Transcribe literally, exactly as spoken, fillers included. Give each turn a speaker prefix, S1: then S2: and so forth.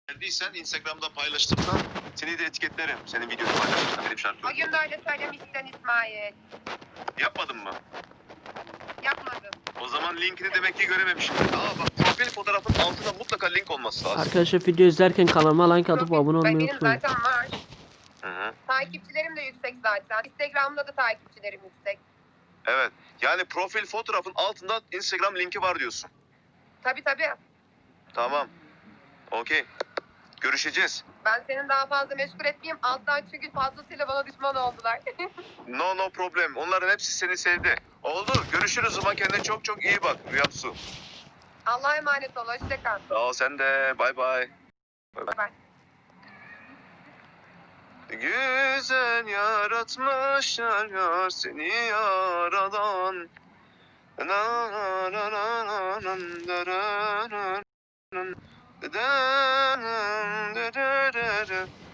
S1: Geldiysen Instagram'da paylaştırsan seni de etiketlerim. Senin videonu paylaşırsan benim şarkı.
S2: O gün de öyle söylemiştin İsmail.
S1: Yapmadın mı?
S2: Yapmadım.
S1: O zaman linkini demek ki görememişim. Aa bak, profil fotoğrafın altında mutlaka link olması lazım.
S3: Arkadaşlar video izlerken kanalıma like atıp
S2: Profil-
S3: abone olmayı
S2: Benim
S3: unutmayın.
S2: zaten var.
S1: Hı hı.
S2: Takipçilerim de yüksek zaten. Instagram'da da takipçilerim yüksek.
S1: Evet. Yani profil fotoğrafın altında Instagram linki var diyorsun.
S2: Tabii tabii.
S1: Tamam. Okey. Görüşeceğiz.
S2: Ben senin daha fazla meşgul etmeyeyim. Alttan çünkü fazlasıyla bana düşman oldular.
S1: No no problem. Onların hepsi seni sevdi. Oldu. Görüşürüz o zaman. Kendine çok çok iyi bak Rüyamsu.
S2: Allah'a emanet ol. Hoşça kal.
S1: Sağ ol, sen de. Bay bay.
S2: Bye.
S1: Güzel yaratmışlar yar seni yaradan. Na na na na na na na na na na na na na na na.